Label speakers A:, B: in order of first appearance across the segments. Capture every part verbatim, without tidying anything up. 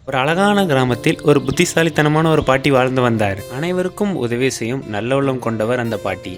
A: ஒரு அழகான கிராமத்தில் ஒரு புத்திசாலித்தனமான ஒரு பாட்டி வாழ்ந்து வந்தார். அனைவருக்கும் உதவி செய்யும் நல்ல உள்ளம் கொண்டவர் அந்த பாட்டி.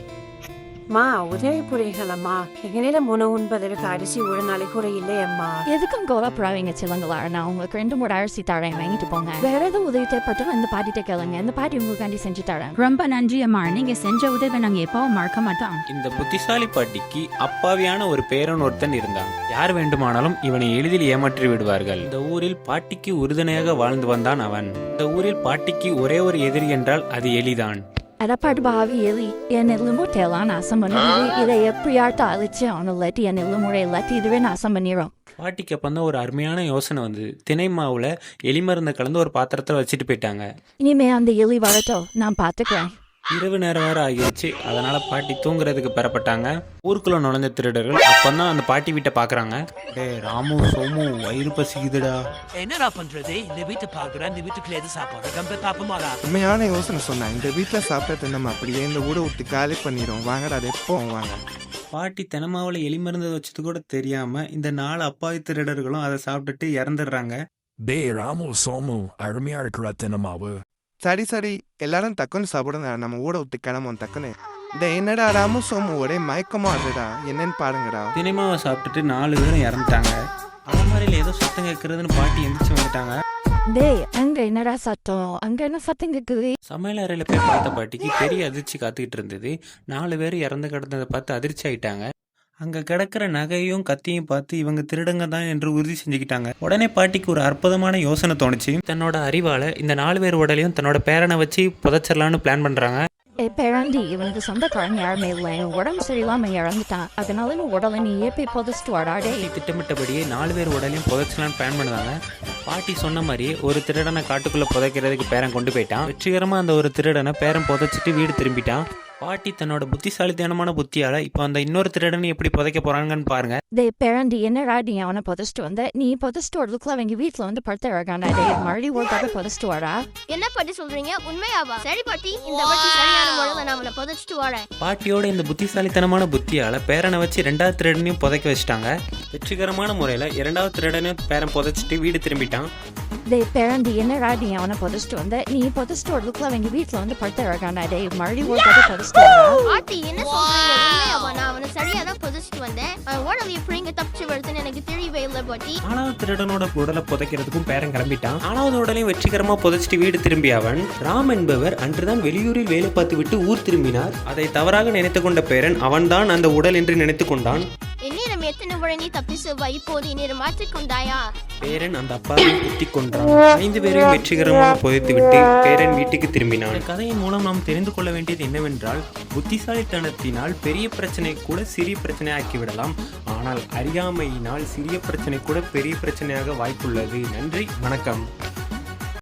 B: மா உதவி புரிகளம்மா, எங்களிடம் உணவு உண்பதற்கு அரிசி ஒரு நாளை கூட இல்லையம்மா.
C: எதுக்கும் கோவப்படாதீங்க சிலங்களா, நான் உங்களுக்கு ரெண்டு மூணு அரிசி தரேன், வாங்கிட்டு போங்க. வேற எதுவும் உதவி தேவைப்பட்டாலும் இந்த பாட்டிட்ட கேளுங்க, இந்த பாட்டி உங்களுக்காண்டி செஞ்சு தரேன்.
D: ரொம்ப நன்றி அம்மா, நீங்க செஞ்ச உதவி நாங்க எப்பவும் மறக்க மாட்டோம்.
A: இந்த புத்திசாலி பாட்டிக்கு அப்பாவியான ஒரு பேரன் ஒருத்தன் இருந்தான். யார் வேண்டுமானாலும் இவனை எளிதில் ஏமாற்றி விடுவார்கள். இந்த ஊரில் பாட்டிக்கு உறுதுணையாக வாழ்ந்து வந்தான் அவன். இந்த ஊரில் பாட்டிக்கு ஒரே ஒரு எதிரி என்றால் அது எலிதான்.
C: அடப்பாடு பாவி எலி, என் எலும்புட்டெல்லாம் நாசம் பண்ணிடுது. இதை எப்படியாட்டும் அழிச்சு அவனை இல்லாட்டி என் எலும்புறை இல்லாட்டி இதுவே நாசம் பண்ணிடும்.
A: பாட்டிக்கு அப்போ தான் ஒரு அருமையான யோசனை வந்தது. தினை மாவுல எலி மருந்தை கலந்து ஒரு பாத்திரத்தில் வச்சுட்டு போயிட்டாங்க.
C: இனிமே அந்த எலி வரட்டும், நான் பாத்துக்கிறேன்.
A: இரவு நேரம் வேற ஆகிடுச்சு. அதனால பாட்டி தூங்குறதுக்கு பெறப்பட்டாங்க. ஊருக்குள்ள நுழைஞ்ச திருடர்கள் அப்பந்தான் அந்த பாட்டி வீட்டை பாக்குறாங்க. டே ராமு, சோமு, வயிறு பசிக்குதுடா.
E: என்னடா பண்றது? இந்த வீட்டை பாக்குறேன், இந்த வீட்டுக்குள்ள எது சாப்பாடு ரொம்ப பாப்பமாடா.
F: உண்மையான யோசனை சொன்னேன். இந்த வீட்டுல சாப்பிட்டது நம்ம அப்படியே இந்த ஊரை விட்டு காலி பண்ணிடும். வாங்கடா, அது எப்போ வாங்க.
A: பாட்டி தினமாவில் எலி மருந்து வச்சது கூட தெரியாம இந்த நாலு அப்பாவி திருடர்களும் அதை சாப்பிட்டுட்டு இறந்துடுறாங்க.
G: டே ராமு, சோமு, அருமையா இருக்கிற தினமாவு.
F: சரி சரி, எல்லாரும் தக்குன்னு சாப்பிடுங்க, நம்ம ஊரை விட்டு கிளம்பும் டக்குன்னு. இந்த என்னடா ராமு சோமு ஒரே மயக்கமா ஆடுறா, என்னன்னு பாருங்கடா.
A: தினைமாவை சாப்பிட்டுட்டு நாலு பேரும் இறந்துட்டாங்க. அலமாரியில் ஏதோ சத்தம் கேட்கறதுன்னு பாட்டி எந்திரிச்சு வந்துட்டாங்க.
C: டேய், அங்க என்னடா சத்தம்? அங்க என்ன சத்தம் கேக்குது?
A: சமையல் அறையில போய் பார்த்த பாட்டிக்கு பெரிய அதிர்ச்சி காத்துக்கிட்டு இருந்தது. நாலு பேர் இறந்து கிடந்ததை பார்த்து அதிர்ச்சி ஆயிட்டாங்க. அங்க கிடக்கிற நகையும் கத்தியும் பார்த்து இவங்க திருடங்க தான் என்று உறுதி செஞ்சுக்கிட்டாங்க. உடனே பாட்டிக்கு ஒரு அற்புதமான யோசனை தோணுச்சு. தன்னோட அறிவால இந்த நாலு பேர் உடலையும் தன்னோட பேரனை வச்சு புதைச்சிடலான்னு பிளான் பண்றாங்க.
C: ஏ பேராண்டி, இவனுக்கு சொந்தக்காரன் யாருமே இல்லை, உடம்பு சரியில்லாம இறந்துட்டான். அதனால நீ உடலை நீயே போய் புதைச்சிட்டு வாடாடே.
A: திட்டமிட்டபடியே நாலு பேர் உடலையும் புதைச்சலான்னு பிளான் பண்ணுவாங்க. பாட்டி சொன்ன மாதிரியே ஒரு திருடனை காட்டுக்குள்ள புதைக்கிறதுக்கு பேரன் கொண்டு போயிட்டான். வெற்றிகரமா அந்த ஒரு திருடனை பேரன் புதைச்சிட்டு வீடு திரும்பிட்டான். பாட்டி தன்னோட புத்திசாலித்தனமான புத்தியால இப்ப அந்த இன்னொரு திருடனை எப்படி புதைக்க போறாங்கன்னு பாருங்க.
C: டே பேராண்டி, என்னடா நீ அவனை புதைச்சிட்டு வந்த? நீ புதைச்சிட்டு வரதுக்குள்ள அவங்க வீட்டுல வந்து படுத்த இறக்காண்டா. டே மறுபடியும் ஒரு தடவை புதைச்சிட்டு வாடா.
H: என்ன பாட்டி சொல்றீங்க? உண்மையாவா? சரி பாட்டி, இந்த வாட்டி சரியான முறையில நான் அவனை புதைச்சிட்டு வரேன்.
A: பாட்டியோட இந்த புத்திசாலித்தனமான புத்தியால பேரனை வச்சு ரெண்டாவது திருடனையும் புதைக்க வச்சுட்டாங்க. வெற்றிகரமான முறையில இரண்டாவது திருடனையும் பேரன் புதைச்சிட்டு வீடு திரும்பிட்டான்.
C: டே பேராண்டி, என்னடா நீ அவனை புதைச்சிட்டு வந்த? நீ புதைச்சிட்டு வரதுக்குள்ள அவங்க வீட்டுல வந்து படுத்த இறக்காண்டா. டே மறுபடியும் ஒரு தடவை புதைச்சிட்டு வாடா.
H: பாட்டி என்ன சொல்றீங்க? உண்மையாவா? நான் அவனை சரியா தான் புதைச்சிட்டு வந்தேன். அவன் உடலை எப்படி இங்க தப்பிச்சு வருதுன்னு எனக்கு தெரியவே இல்லை பாட்டி.
A: நாலாவது திருடனோட உடலை புதைக்கிறதுக்கும் பேரன் கிளம்பிட்டான். நாலாவது உடலையும் வெற்றிகரமா புதைச்சிட்டு வீடு திரும்பிய அவன் ராம் என்பவர் அன்றுதான் வெளியூரில் வேலை பார்த்து விட்டு ஊர் திரும்பினார். அதை தவறாக நினைத்து கொண்ட பேரன் அவன்தான் அந்த உடல் என்று நினைத்து கொண்டான்.
H: என்னிடம் எத்தனை முறை நீ தப்பிச்சுவா, இப்போது என்னிடம் மாற்றிக்கொண்டாயா?
A: பேரன் அந்த அப்பாவை குத்தி கொன்றான். ஐந்து பேரையும் வெற்றிகரமாக புதைத்து விட்டு பேரன் வீட்டுக்கு திரும்பினான். கதையின் மூலம் நாம் தெரிந்து கொள்ள வேண்டியது என்னவென்றால், புத்திசாலித்தனத்தினால் பெரிய பிரச்சனை கூட சிறிய பிரச்சனை ஆக்கிவிடலாம். ஆனால் அறியாமையினால் சிறிய பிரச்சனை கூட பெரிய பிரச்சனையாக வாய்ப்புள்ளது. நன்றி, வணக்கம்.